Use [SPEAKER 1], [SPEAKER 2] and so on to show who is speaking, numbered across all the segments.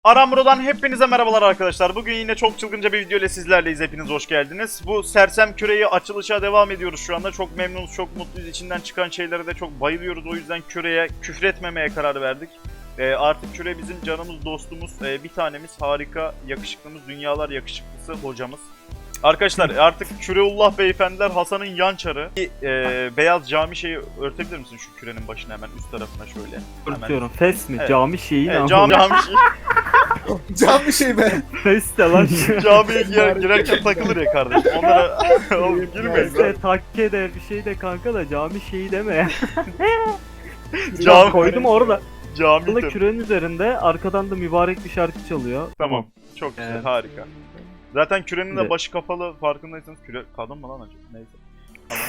[SPEAKER 1] Aramro'dan hepinize merhabalar arkadaşlar. Bugün yine çok çılgınca bir video ile sizlerleyiz. Hepiniz hoş geldiniz. Bu Sersem Küre'yi açılışa devam ediyoruz şu anda. Çok memnunuz, çok mutluyuz. İçinden çıkan şeylere de çok bayılıyoruz. O yüzden Küre'ye küfretmemeye karar verdik. Artık Küre bizim canımız, dostumuz, bir tanemiz, harika, yakışıklımız, dünyalar yakışıklısı hocamız. Arkadaşlar artık Küreullah beyefendiler Hasan'ın yan çarı. Beyaz cami şeyi örtebilir misin şu kürenin başına hemen üst tarafına şöyle?
[SPEAKER 2] Örtüyorum. Fes mi?
[SPEAKER 1] Evet.
[SPEAKER 2] Cami şeyi ne?
[SPEAKER 1] Cami şeyi.
[SPEAKER 3] Can bir şey be.
[SPEAKER 2] Fes de lan.
[SPEAKER 1] Camiye girerken takılır ya kardeşim. Onlara oğlum girmeyiz lan.
[SPEAKER 2] Fes de takke de bir şey de kanka da cami şeyi deme ya.
[SPEAKER 1] Cami
[SPEAKER 2] Koydum orada.
[SPEAKER 1] Cami
[SPEAKER 2] Burada
[SPEAKER 1] tabii.
[SPEAKER 2] kürenin üzerinde arkadan da mübarek bir şarkı çalıyor.
[SPEAKER 1] Tamam. Çok güzel,
[SPEAKER 2] Evet.
[SPEAKER 1] harika. Zaten kürenin de
[SPEAKER 2] Evet.
[SPEAKER 1] başı kapalı, farkındaysanız küre kadın mı lan acaba? Neyse. Tamam.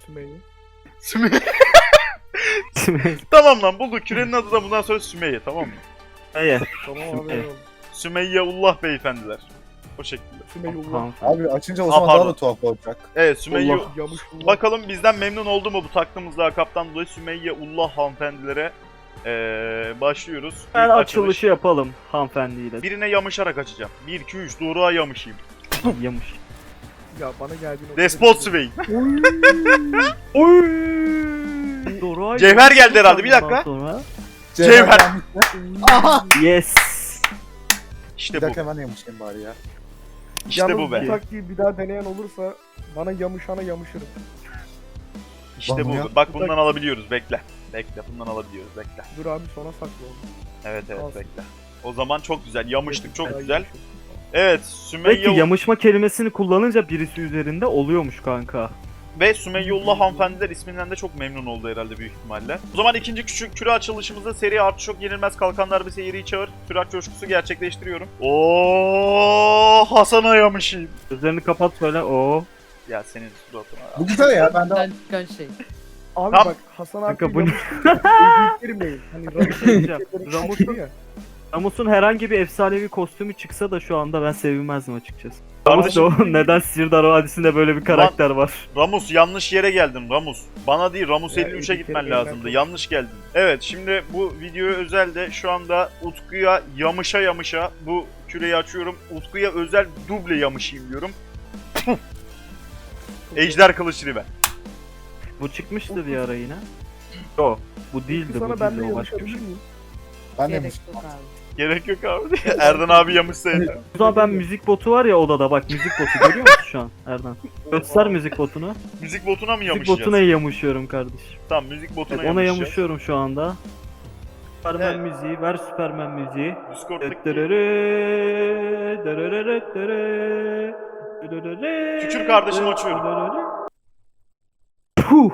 [SPEAKER 1] Sümeyye. Tamam lan bulduk. Kürenin adı da bundan sonra Sümeyye, tamam mı?
[SPEAKER 2] Evet.
[SPEAKER 4] Tamam abi.
[SPEAKER 2] Evet.
[SPEAKER 1] Sümeyyeullah beyefendiler. O şekilde.
[SPEAKER 2] Tamam.
[SPEAKER 3] Abi açınca o zaman
[SPEAKER 1] pardon.
[SPEAKER 3] daha da tuhaf olacak.
[SPEAKER 1] Evet Sümeyye.
[SPEAKER 2] Allah.
[SPEAKER 4] Yamış
[SPEAKER 1] Bakalım bizden memnun oldu mu bu taktığımız lakaptan dolayı Sümeyyeullah hanımefendilere başlıyoruz.
[SPEAKER 2] Ben
[SPEAKER 1] İlk
[SPEAKER 2] açılışı yapalım hanımefendiyle.
[SPEAKER 1] Birine yamışarak açacağım. 1, 2, 3 doğruğa yamışayım.
[SPEAKER 2] Yamış.
[SPEAKER 4] Ya bana geldiğin
[SPEAKER 1] Despot Swain.
[SPEAKER 2] Oy! Doğru.
[SPEAKER 1] Cevher geldi herhalde, bir dakika.
[SPEAKER 2] Sonra...
[SPEAKER 1] Cevher.
[SPEAKER 3] Aha.
[SPEAKER 2] Yes.
[SPEAKER 1] İşte
[SPEAKER 3] Bir
[SPEAKER 1] bu.
[SPEAKER 3] dakika ben yamışayım bari ya.
[SPEAKER 1] İşte bu be.
[SPEAKER 4] Bu taktiği bir daha deneyen olursa bana yamışana yamışırım.
[SPEAKER 1] İşte bu.
[SPEAKER 3] Bana ya.
[SPEAKER 1] Bak bundan alabiliyoruz. Bekle. Bekle. Bundan alabiliyoruz. Bekle.
[SPEAKER 4] Dur abi sona saklı onu.
[SPEAKER 1] Evet evet
[SPEAKER 4] Kalsın.
[SPEAKER 1] bekle. O zaman çok güzel. Yamıştık çok
[SPEAKER 4] Daha
[SPEAKER 1] güzel.
[SPEAKER 4] yamışım.
[SPEAKER 1] Evet
[SPEAKER 2] Belki
[SPEAKER 1] Sümeyye
[SPEAKER 2] yamışma kelimesini kullanınca birisi üzerinde oluyormuş kanka.
[SPEAKER 1] ve Sümeyyeullah hanımefendiler isminden de çok memnun oldu herhalde büyük ihtimalle. O zaman ikinci küçük küre açılışımızda seri artı çok yenilmez kalkanlar bir seyirciyi çağır. Sürat coşkusu gerçekleştiriyorum. Oo Hasan'a yamışayım.
[SPEAKER 2] Gözlerini kapat böyle o.
[SPEAKER 1] Ya senin suratına.
[SPEAKER 3] Bu güzel ya ben de
[SPEAKER 5] Buradan çıkan şey.
[SPEAKER 4] Abi
[SPEAKER 1] Tam-
[SPEAKER 4] bak Hasan abi
[SPEAKER 2] Kanka bu ne?
[SPEAKER 4] girmeyin. Hani
[SPEAKER 2] Ramus'un- Ramus'un herhangi bir efsanevi kostümü çıksa da şu anda ben sevinmezdim açıkçası.
[SPEAKER 1] Kardeşim-
[SPEAKER 2] Ramus neden Sirdar Vadisi'nde böyle bir karakter var?
[SPEAKER 1] Ramus yanlış yere geldin Ramus. Bana değil Ramus
[SPEAKER 4] Ya,
[SPEAKER 1] 53'e
[SPEAKER 4] bir
[SPEAKER 1] gitmen
[SPEAKER 4] kere
[SPEAKER 1] lazımdı.
[SPEAKER 4] ben-
[SPEAKER 1] Yanlış geldin. Evet şimdi bu videoya özel de şu anda Utku'ya yamışa bu küreyi açıyorum. Utku'ya özel duble yamışayım diyorum. Ejder kılıç ribe.
[SPEAKER 2] Bu çıkmıştı bir ara yine. Yo, bu değildi, bu
[SPEAKER 4] Sana ben de
[SPEAKER 2] değildi, o başka bir
[SPEAKER 4] yamışabilir
[SPEAKER 2] şey.
[SPEAKER 4] miyim?
[SPEAKER 3] ben de
[SPEAKER 5] Gerek
[SPEAKER 3] yamışım.
[SPEAKER 5] yok abi.
[SPEAKER 1] Gerek yok abi. Erdan abi yamışsaydı.
[SPEAKER 2] O zaman ben müzik botu var ya odada, bak müzik botu görüyor musun şu an Erdan? Göster müzik botunu.
[SPEAKER 1] Müzik botuna mı
[SPEAKER 2] Müzik
[SPEAKER 1] yamışacağız?
[SPEAKER 2] botuna yamışıyorum kardeşim.
[SPEAKER 1] Tamam müzik botuna
[SPEAKER 2] Evet, ona
[SPEAKER 1] yamışacağız.
[SPEAKER 2] yamışıyorum şu anda. Süpermen
[SPEAKER 1] Evet.
[SPEAKER 2] müziği, ver Süpermen müziği.
[SPEAKER 1] Discord'daki Tükür kardeşim, açıyorum.
[SPEAKER 2] Puh!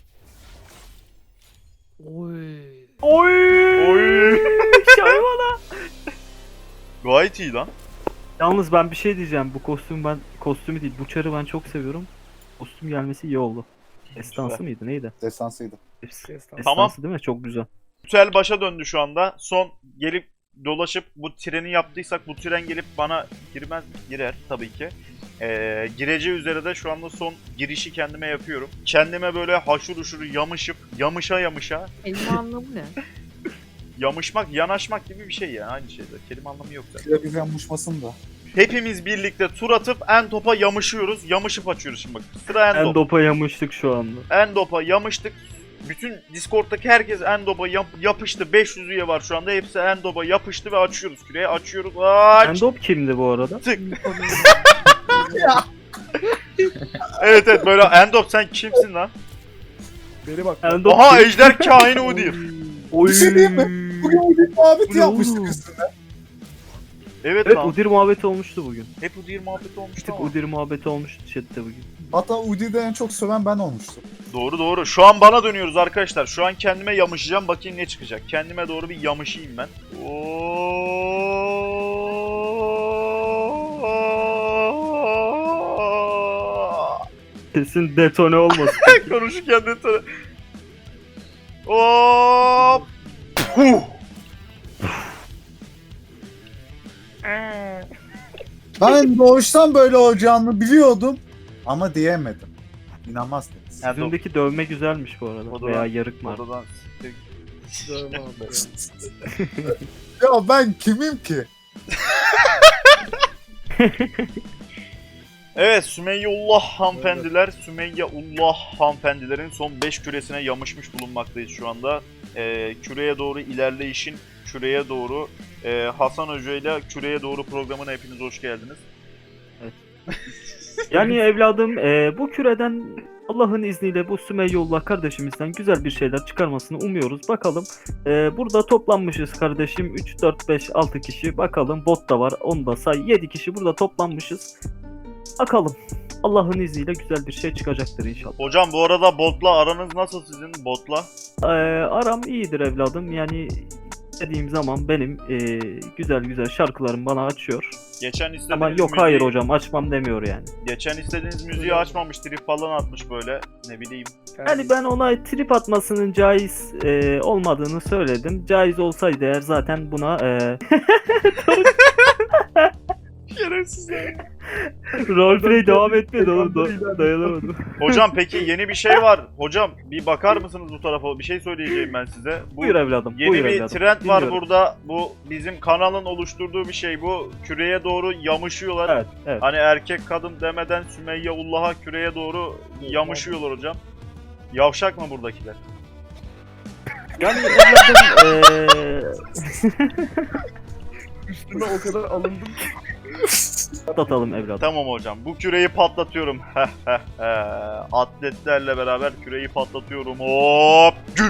[SPEAKER 5] Oy.
[SPEAKER 2] Oy! Şayvana!
[SPEAKER 1] gayet iyi lan.
[SPEAKER 2] Yalnız ben bir şey diyeceğim. Bu kostümü değil, bu çarı ben çok seviyorum. Kostüm gelmesi iyi oldu. Destansı
[SPEAKER 1] Güzel.
[SPEAKER 2] mıydı, neydi?
[SPEAKER 3] Destansıydı.
[SPEAKER 2] Destansı
[SPEAKER 1] Tamam.
[SPEAKER 2] değil mi? Çok güzel.
[SPEAKER 1] Ritüel başa döndü şu anda. Son gelip dolaşıp bu treni yaptıysak bu tren gelip bana girmez mi? Girer tabii ki. Gireceği üzere de şu anda son girişi kendime yapıyorum. Kendime böyle haşur uşur yamışıp yamışa
[SPEAKER 5] Kelime anlamı ne?
[SPEAKER 1] yamışmak, yanaşmak gibi bir şey ya. Aynı şeyde. Kelime anlamı yok zaten.
[SPEAKER 3] Şöyle bir yamışmasın da.
[SPEAKER 1] Hepimiz birlikte tur atıp en topa yamışıyoruz. Yamışıp açıyoruz şimdi bak. Sıra en top.
[SPEAKER 2] Endopa yamıştık şu anda.
[SPEAKER 1] Endop'a yamıştık. Bütün Discord'daki herkes Endop'a yapıştı. 500 üye var şu anda. Hepsi Endop'a yapıştı ve açıyoruz küreği. Açıyoruz. Aç.
[SPEAKER 2] Endop kimdi bu arada?
[SPEAKER 1] Tık. Evet evet böyle Endop sen kimsin lan?
[SPEAKER 4] Beni bak.
[SPEAKER 2] Endop
[SPEAKER 1] Aha
[SPEAKER 2] kim?
[SPEAKER 1] ejder kaini Udyr.
[SPEAKER 2] Oy!
[SPEAKER 3] Bir şey diyeyim mi? Bugün bir muhabbeti
[SPEAKER 2] Bu ne
[SPEAKER 3] yapmıştık
[SPEAKER 2] oğlum?
[SPEAKER 3] üstüne.
[SPEAKER 1] Evet
[SPEAKER 2] Evet,
[SPEAKER 1] lan.
[SPEAKER 2] Udyr muhabbeti olmuştu bugün.
[SPEAKER 1] Hep Udyr muhabbeti
[SPEAKER 2] Bir
[SPEAKER 1] olmuştu
[SPEAKER 2] tık
[SPEAKER 1] ama.
[SPEAKER 2] Udyr muhabbeti olmuştu chatte bugün.
[SPEAKER 3] Hatta Udi'de en çok söven ben olmuştum.
[SPEAKER 1] Doğru doğru. Şu an bana dönüyoruz arkadaşlar. Şu an kendime yamışacağım. Bakayım ne çıkacak. Kendime doğru bir yamışayım ben.
[SPEAKER 2] Kesin detone olmasın.
[SPEAKER 1] Konuşurken de sana... Hop! Huh!
[SPEAKER 3] Ben doğuştan böyle olacağını biliyordum ama diyemedim. İnanmazsınız.
[SPEAKER 1] Yani
[SPEAKER 2] Yüzündeki dövme güzelmiş bu arada.
[SPEAKER 1] O da
[SPEAKER 2] Veya
[SPEAKER 1] var.
[SPEAKER 2] yarık var.
[SPEAKER 1] Oradan
[SPEAKER 4] Dövme abi ya.
[SPEAKER 3] Ya ben kimim ki?
[SPEAKER 1] Evet, Sümeyyeullah hanımefendiler, Sümeyyeullah hanımefendilerin son 5 küresine yamışmış bulunmaktayız şu anda. Küreye doğru ilerleyişin, küreye doğru Hasan Hoca ile küreye doğru programına hepiniz hoş geldiniz.
[SPEAKER 2] Yani evladım bu küreden Allah'ın izniyle bu Sümeyyeullah kardeşimizden güzel bir şeyler çıkarmasını umuyoruz. Bakalım burada toplanmışız kardeşim 3, 4, 5, 6 kişi. Bakalım bot da var onu da say 7 kişi burada toplanmışız. Bakalım Allah'ın izniyle güzel bir şey çıkacaktır inşallah.
[SPEAKER 1] Hocam bu arada botla aranız nasıl sizin botla?
[SPEAKER 2] Aram iyidir evladım yani dediğim zaman benim güzel güzel şarkılarım bana açıyor.
[SPEAKER 1] Geçen istediğiniz
[SPEAKER 2] Ama yok
[SPEAKER 1] müziği,
[SPEAKER 2] hayır hocam açmam demiyor yani.
[SPEAKER 1] Geçen istediğiniz müziği açmamış, trip falan atmış böyle, ne bileyim.
[SPEAKER 2] Yani ben ona trip atmasının caiz olmadığını söyledim. Caiz olsaydı eğer zaten buna
[SPEAKER 1] Şerefsizler.
[SPEAKER 2] roleplay devam etmedi oğlum dayanamadım.
[SPEAKER 1] Hocam peki yeni bir şey var. Hocam bir bakar mısınız bu tarafa? Bir şey söyleyeceğim ben size. Bu
[SPEAKER 2] Buyur evladım.
[SPEAKER 1] yeni
[SPEAKER 2] buyur
[SPEAKER 1] bir
[SPEAKER 2] evladım.
[SPEAKER 1] trend var
[SPEAKER 2] Dinliyorum.
[SPEAKER 1] burada. Bu bizim kanalın oluşturduğu bir şey. Bu küreye doğru yamışıyorlar.
[SPEAKER 2] Evet, evet.
[SPEAKER 1] Hani erkek kadın demeden Sümeyye'ullah'a küreye doğru yamışıyorlar hocam. Yavşak mı buradakiler?
[SPEAKER 2] Yani evladım
[SPEAKER 4] Üstüne o kadar alındım ki.
[SPEAKER 2] atlatalım evladım.
[SPEAKER 1] Tamam hocam. Bu küreyi patlatıyorum. Atletlerle beraber küreyi patlatıyorum. Hop! Güm!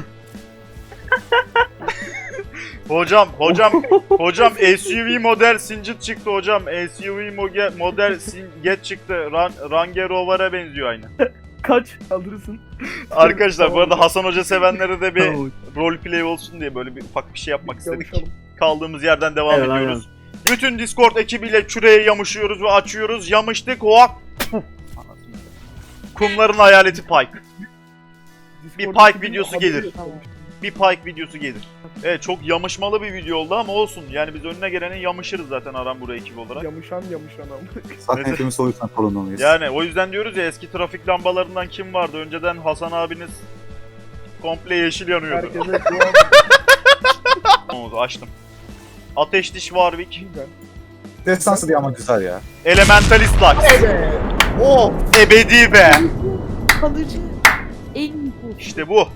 [SPEAKER 1] hocam SUV model Sinjit çıktı hocam. SUV model Singet çıktı. Range Rover'a benziyor aynı.
[SPEAKER 2] Kaç?
[SPEAKER 4] Kaldırırsın.
[SPEAKER 1] Arkadaşlar bu arada Hasan Hoca sevenlere de bir
[SPEAKER 2] Tamam.
[SPEAKER 1] roleplay olsun diye böyle bir ufak bir şey yapmak istedik.
[SPEAKER 4] Yavuşalım.
[SPEAKER 1] Kaldığımız yerden devam
[SPEAKER 2] Evet,
[SPEAKER 1] ediyoruz. Bütün Discord ekibiyle küreye yamışıyoruz ve açıyoruz. Yamıştık. Hop! Kumların hayaleti Pike. Bir
[SPEAKER 4] Discord'daki
[SPEAKER 1] Pike videosu
[SPEAKER 4] haberi
[SPEAKER 1] gelir.
[SPEAKER 4] yok.
[SPEAKER 1] Bir Pike videosu gelir. Evet çok yamışmalı bir video oldu ama olsun. Yani biz önüne gelenin yamışırız zaten Aramburu ekibi olarak.
[SPEAKER 4] Yamışan ama.
[SPEAKER 3] Zaten
[SPEAKER 1] Neyse.
[SPEAKER 3] hepimiz o yüzden sorunluyuz.
[SPEAKER 1] Yani o yüzden diyoruz ya eski trafik lambalarından kim vardı? Önceden Hasan abiniz komple yeşil yanıyordu.
[SPEAKER 4] Herkese dua
[SPEAKER 1] Onu açtım. Ateş Diş Warwick.
[SPEAKER 4] güzel.
[SPEAKER 3] Destansı diye ama güzel ya.
[SPEAKER 1] Elementalist Lux.
[SPEAKER 3] Oh!
[SPEAKER 1] Ebedi be.
[SPEAKER 5] Kalıcı. En iyi bu.
[SPEAKER 1] İşte bu.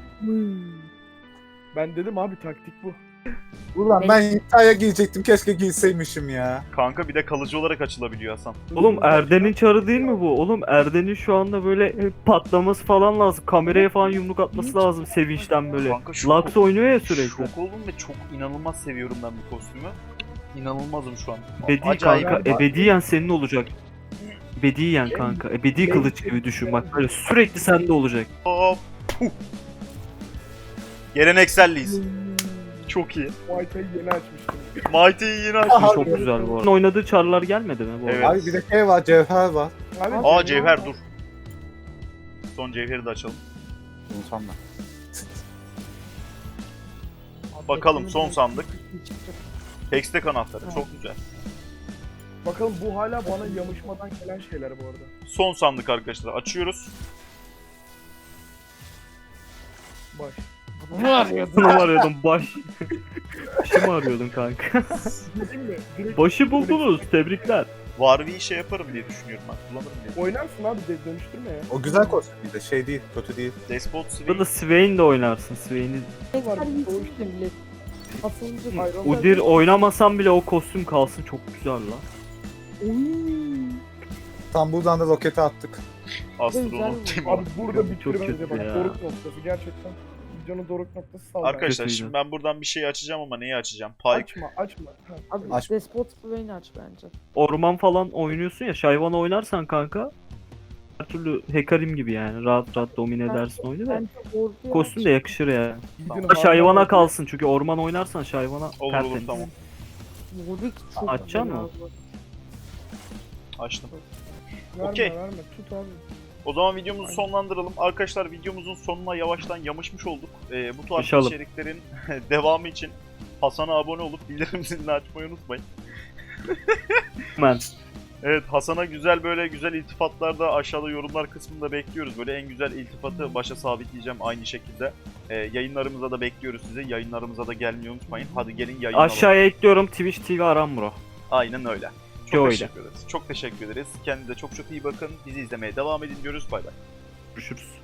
[SPEAKER 4] Ben dedim abi taktik bu.
[SPEAKER 3] Ulan ben iddiaya giyecektim. Keşke giyseymişim ya.
[SPEAKER 1] Kanka bir de kalıcı olarak açılabiliyor Hasan.
[SPEAKER 2] Oğlum Erden'in çarı değil mi bu? Oğlum Erden'in şu anda böyle patlaması falan lazım. Kameraya falan yumruk atması lazım sevinçten böyle.
[SPEAKER 1] Kanka
[SPEAKER 2] Lux oynuyor ya sürekli.
[SPEAKER 1] Şok oldum ve çok inanılmaz seviyorum ben bu kostümü. İnanılmazım şu an.
[SPEAKER 2] Ebedi
[SPEAKER 1] Acayip.
[SPEAKER 2] kanka, ebediyen senin olacak. Ebediyen kanka, ebedi kılıç gibi düşün bak böyle sürekli sende olacak.
[SPEAKER 1] Hop. Puh. Gelenekselliyiz. Çok iyi.
[SPEAKER 4] Muay Thai yeni açmıştım.
[SPEAKER 1] Mighty'yi yine açmış.
[SPEAKER 3] Aha.
[SPEAKER 2] Çok güzel bu arada. Oynadığı çarlar gelmedi mi bu arada?
[SPEAKER 1] Evet.
[SPEAKER 3] Abi bir de şey var, cevher var.
[SPEAKER 4] Abi,
[SPEAKER 1] Aa cevher dur. Son cevheri de açalım.
[SPEAKER 3] Unutam ben.
[SPEAKER 1] Bakalım son sandık. Hextech anahtarı çok güzel.
[SPEAKER 4] Bakalım bu hala bana yamışmadan gelen şeyler bu arada.
[SPEAKER 1] Son sandık arkadaşlar açıyoruz.
[SPEAKER 4] Baş.
[SPEAKER 2] Bunu mu arıyordun baş? Başı mı arıyordun kanka?
[SPEAKER 4] Dedim mi? Direkt
[SPEAKER 2] Başı buldunuz, tebrikler.
[SPEAKER 1] Warwick'i şey yaparım diye düşünüyorum ben. Kullanırım diye.
[SPEAKER 4] oynarsın abi dönüştürme ya.
[SPEAKER 3] O güzel kostüm bir de şey değil, kötü değil.
[SPEAKER 1] Despot Swing.
[SPEAKER 2] Burada Swain de oynarsın, Swain'i.
[SPEAKER 4] Ne var?
[SPEAKER 5] Her
[SPEAKER 4] Bu
[SPEAKER 5] yüzü
[SPEAKER 4] işte.
[SPEAKER 5] millet. Asılınca
[SPEAKER 4] Hayran-
[SPEAKER 2] Udir oynamasam bile o kostüm kalsın çok güzel la.
[SPEAKER 5] Oy.
[SPEAKER 3] Tam buradan da roketi attık.
[SPEAKER 1] Astronom
[SPEAKER 5] Güzel.
[SPEAKER 1] Timo.
[SPEAKER 4] Abi burada
[SPEAKER 2] Çok
[SPEAKER 4] bitir bence
[SPEAKER 2] kötü
[SPEAKER 4] bak
[SPEAKER 2] ya.
[SPEAKER 4] doruk noktası gerçekten. Videonun doruk noktası sağ ol.
[SPEAKER 1] Arkadaşlar
[SPEAKER 2] Kötüydü.
[SPEAKER 1] şimdi ben buradan bir şey açacağım ama neyi açacağım? Pike.
[SPEAKER 4] Açma. Ha.
[SPEAKER 5] Abi
[SPEAKER 3] Aç.
[SPEAKER 5] Despot Swain'i aç bence.
[SPEAKER 2] Orman falan oynuyorsun ya, Shyvana oynarsan kanka. Her türlü Hekarim gibi yani rahat rahat domine edersin oyunu da.
[SPEAKER 5] Bence orduya
[SPEAKER 2] Kostüm de yakışır ya.
[SPEAKER 4] Gidin
[SPEAKER 2] Ama Shyvana kalsın çünkü orman oynarsan Shyvana
[SPEAKER 1] Olur
[SPEAKER 2] tertemiz.
[SPEAKER 1] tamam.
[SPEAKER 5] Warwick çok
[SPEAKER 2] Açacaksın
[SPEAKER 5] güzel
[SPEAKER 2] mı?
[SPEAKER 5] abi.
[SPEAKER 1] Açtım.
[SPEAKER 4] Verme
[SPEAKER 1] Okey.
[SPEAKER 4] verme tut abi.
[SPEAKER 1] O zaman videomuzu sonlandıralım. Arkadaşlar videomuzun sonuna yavaştan yamışmış olduk. Bu tarz
[SPEAKER 2] Yaşalım.
[SPEAKER 1] içeriklerin devamı için Hasan'a abone olup bildirim zilini açmayı unutmayın.
[SPEAKER 2] Hemen.
[SPEAKER 1] Evet, Hasan'a güzel böyle güzel iltifatlarda aşağıda yorumlar kısmında bekliyoruz. Böyle en güzel iltifatı başa sabitleyeceğim aynı şekilde. Yayınlarımıza da bekliyoruz sizi. Yayınlarımıza da gelmeyi unutmayın. Hadi gelin yayınlayalım.
[SPEAKER 2] Aşağıya ekliyorum Twitch TV Aramuro.
[SPEAKER 1] Aynen öyle. Çok
[SPEAKER 2] Yo, öyle.
[SPEAKER 1] teşekkür ederiz. Çok teşekkür ederiz. Kendinize çok çok iyi bakın. Bizi izlemeye devam edin diyoruz. Bay bay.
[SPEAKER 2] Görüşürüz.